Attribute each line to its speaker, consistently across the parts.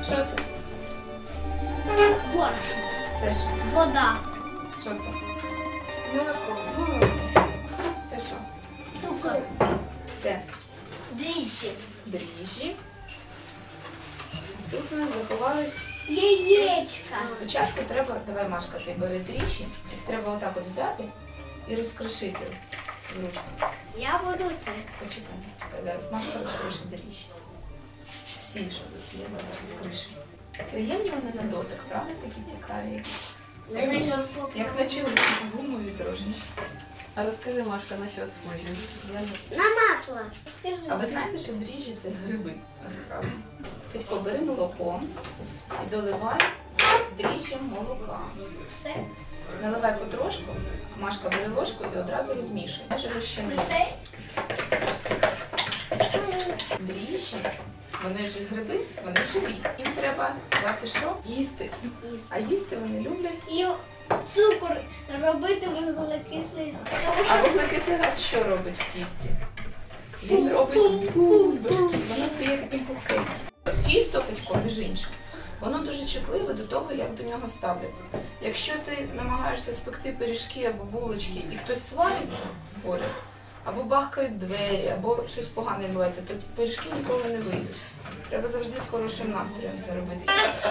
Speaker 1: Що це?
Speaker 2: Борошно.
Speaker 1: Це що?
Speaker 2: Вода.
Speaker 1: Що це?
Speaker 2: Молоко.
Speaker 1: Це що?
Speaker 2: Цукор.
Speaker 1: Це
Speaker 2: Дріжджі.
Speaker 1: дріжджі. Тут у нас заховались.
Speaker 2: Яєчка.
Speaker 1: Спочатку треба, давай, Машка, ти бери дріжджі, їх треба отак от взяти і розкрошити в ручку.
Speaker 2: Я буду це.
Speaker 1: Почекай, зараз Машка розкришить дріжджі. Всі, що тут є, вона розкришує. Приємні вони на дотик, правда? Такі цікаві. Як наче гумові трошечки.
Speaker 3: А розкажи, Машка, на що схожі?
Speaker 2: На масло.
Speaker 1: А ви знаєте, що дріжджі – це гриби, насправді. Федько, бери молоко і доливай дріжджям молока.
Speaker 2: Все.
Speaker 1: Наливай потрошку, Машка бери ложку і одразу розмішуй. Майже розчини.
Speaker 2: Все.
Speaker 1: Дріжджі, вони ж гриби, вони живі. Їм треба дати що? Їсти. А їсти вони люблять.
Speaker 2: І цукор робити вуглекислий. Тому
Speaker 1: А
Speaker 2: що
Speaker 1: вуглекислий газ що робить в тісті? Він робить бульбашки, воно стає таким пухкеньким. Тісто, Федько, між іншим, воно дуже чутливе до того, як до нього ставляться. Якщо ти намагаєшся спекти пиріжки або булочки і хтось свариться поряд, або бахкають двері, або щось погане відбувається, то ті пиріжки ніколи не вийдуть. Треба завжди з хорошим настроєм це робити.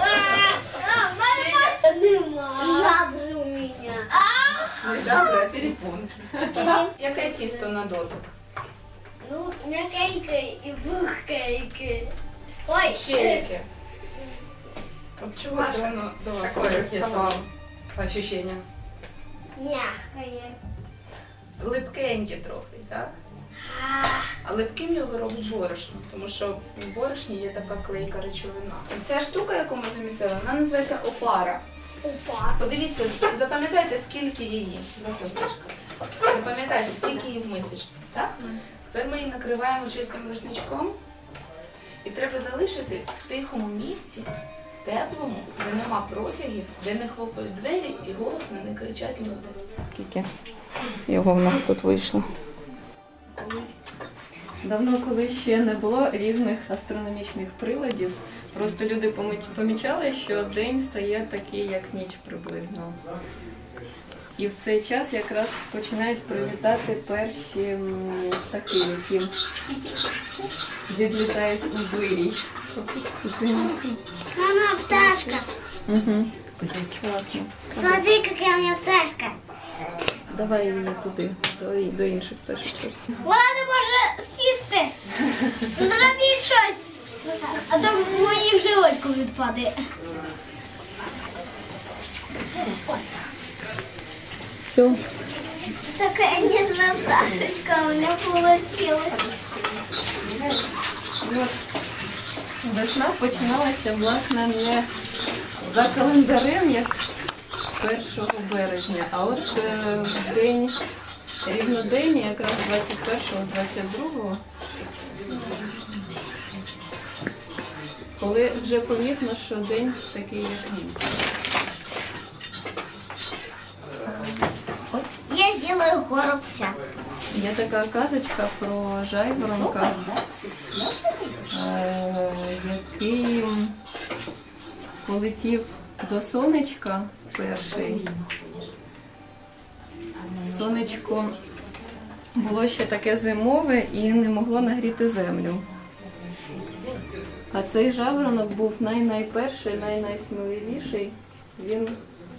Speaker 2: нема. Жабри у мене.
Speaker 1: Не жабри, а перепонки. Яке тісто на дотик?
Speaker 2: Ну, м'якеньке і пухкеньке. Ой,
Speaker 1: Ще яке? От чого це воно до вас ставало?
Speaker 3: Ощущення.
Speaker 2: м'якає.
Speaker 1: Липкеньке трохи, так? А липким його робить борошно, тому що в борошні є така клейка речовина. І ця штука, яку ми замісили, вона називається опара.
Speaker 2: Опа.
Speaker 1: Подивіться, запам'ятайте, скільки її. Заходь, Машка. Запам'ятайте, скільки її в мисочці, так? Тепер ми її накриваємо чистим рушничком. І треба залишити в тихому місці, теплому, де нема протягів, де не хлопають двері і голосно не кричать люди. Скільки його в нас тут вийшло?
Speaker 3: Давно, коли ще не було різних астрономічних приладів, просто люди помічали, що день стає такий, як ніч приблизно. І в цей час якраз починають прилітати перші птахи, які відлітають у вирій.
Speaker 2: Мама, пташка.
Speaker 3: Угу. Класно.
Speaker 2: Смотри, какая у меня пташка.
Speaker 3: Давай її туди, до інших пташок.
Speaker 2: Вона не може сісти. Зробіть щось. А то в моїм животку відпаде.
Speaker 3: Все.
Speaker 2: Такая нежная пташечка у меня получилась.
Speaker 3: Весна починалася, власне, не за календарем, як 1 березня, а от в день рівнодення, якраз 21-22, коли вже помітно, що день такий, як ніч.
Speaker 2: Я сделаю горобця.
Speaker 3: Є така казочка про жайворонка, який полетів до сонечка перший. Сонечко було ще таке зимове і не могло нагріти землю. А цей жайворонок був найперший, найсміливіший. Він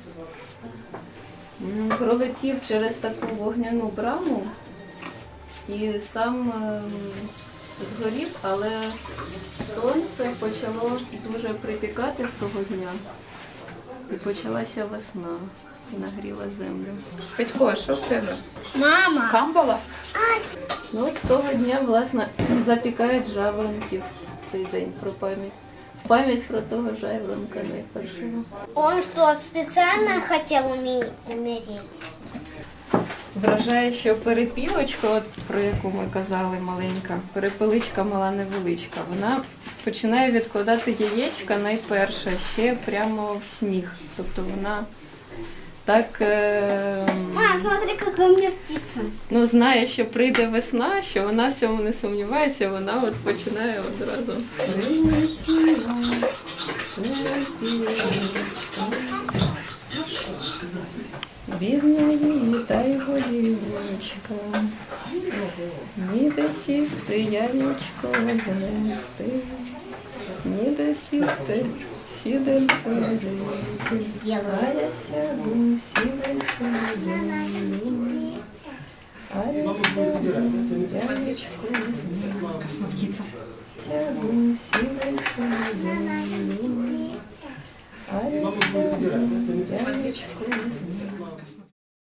Speaker 3: пролетів через таку вогняну браму і сам згорів, але сонце почало дуже припікати з того дня. І почалася весна і нагріла землю.
Speaker 1: Федько, а що в тебе?
Speaker 2: Мама.
Speaker 1: Камбала?
Speaker 3: Ну от з того дня, власне, запікають жайворонків цей день про пам'ять. Пам'ять про того жайворонка найпершого.
Speaker 2: Он что, специально хотел умереть?
Speaker 3: Вражає, що перепілочка, от про яку ми казали, маленька, перепеличка мала невеличка, вона починає відкладати яєчка найперше ще прямо в сніг. Тобто вона так
Speaker 2: Мам, смотри, какая у меня птица.
Speaker 3: ну, знає, що прийде весна, що вона в цьому не сумнівається, вона от починає одразу. Бідна її та й голівочка, ніде сісти, яєчко знести, ніде сісти, сідельце взяти, а я сяду, сідельце взяти, а я сяду, яєчко знести, сяду, сідельце взяти, а я сяду, яєчко знести.